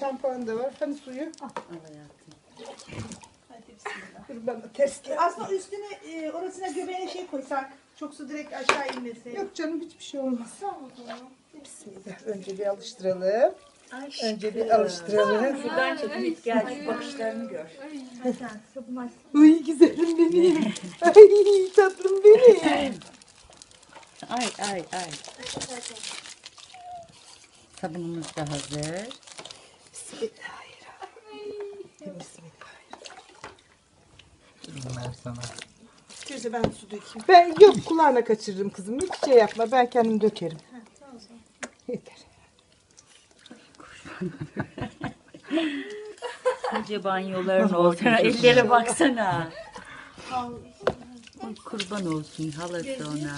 şampuan da var. Hani suyu? Al hayatım. Hadi bismillah. Dur bana ters gel. Aslında üstüne orasına göbeğine şey koysak. Çok su direkt aşağı inmesi. Yok canım hiçbir şey olmaz. Tamam o zaman. Bismillah. Önce bir alıştıralım. Aşkım. Önce bir alıştıralım. Şuradan çekip git gel şu bakışlarını gör. Hadi sabun aç. Uy güzelim benim. Ay tatlım benim. Ay ay ay. Sabunumuz da hazır. Bismillahirrahmanirrahim. Bismillahirrahmanirrahim. Ver sana. Gözü ben su dökeyim. Ben yok kulağına kaçırırım kızım. Hiç şey yapma. Ben kendim dökerim. Tamam o zaman. Yeter. Koca banyoların olsun. Ellere baksana. Ay, kurban olsun halası ona.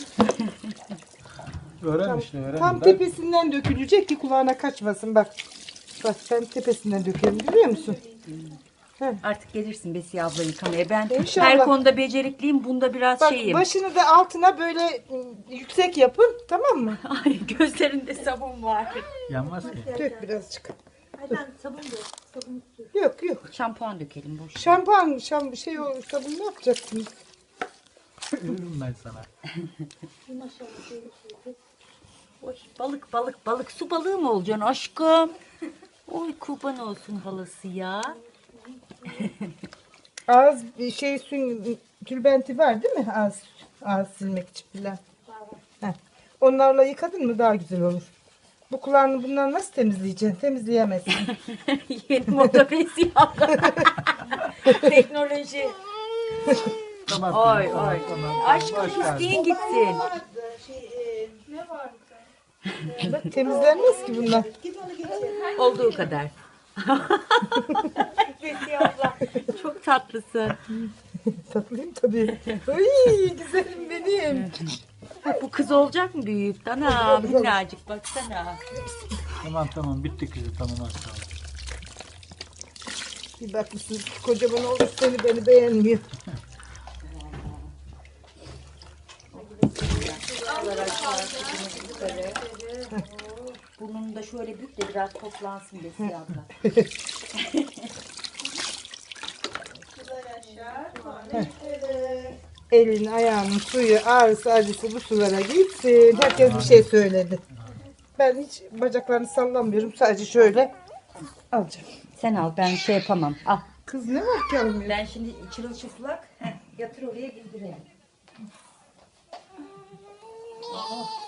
Öğren işte öğren. Tam Bak, tepesinden dökülecek ki kulağına kaçmasın bak. Bak ben tepesinden dökerim görüyor musun? Artık gelirsin Besiye abla yıkamaya. Ben İnşallah. her konuda becerikliyim. Bunda biraz Bak şeyim. başını da altına böyle yüksek yapın tamam mı? Ay gözlerinde sabun var. yanmaz ki. Dök birazcık. Hadi ben sabun dök. Sabun dök. Yok yok. Şampuan dökelim boş. Şampuan, şey o sabun ne yapacaksınız? Ölürüm ben sana. Maşallah şöyle şey. Oy, balık balık balık. Su balığı mı olacaksın aşkım? Oy kurban olsun halası ya. Ağız şey tülbenti var değil mi? Ağız silmek için filan. Heh. Onlarla yıkadın mı daha güzel olur. Bu kulağını bundan nasıl temizleyeceksin? Temizleyemezsin. Yeni moda Besiye abla. Teknoloji. Tamam. Oy tamam, oy. tamam. Aşkım Boş ver. isteyin gitsin. Ne var? Bak temizlenmez ki bunlar. Git onu getir. Olduğu kadar. Besiye abla çok tatlısın. Tatlıyım tabii. Ay güzelim benim. Bu kız olacak mı büyüyüp? Ana minnacık baksana. Tamam bitti kızı tamam az kaldı. Bir bakmışsınız ki kocaman olmuş beni beğenmiyor. Burnunu da şöyle bük de biraz toplansın Besiye abla. Elin ayağının suyu ağrısı acısı bu sulara gitsin. Herkes bir şey söyledi. Ben hiç bacaklarını sallamıyorum. Sadece şöyle alacağım. Sen al ben şey yapamam. Al. Kız ne var ki almıyor? Ben şimdi çırılçıplak yatır oraya bildirelim.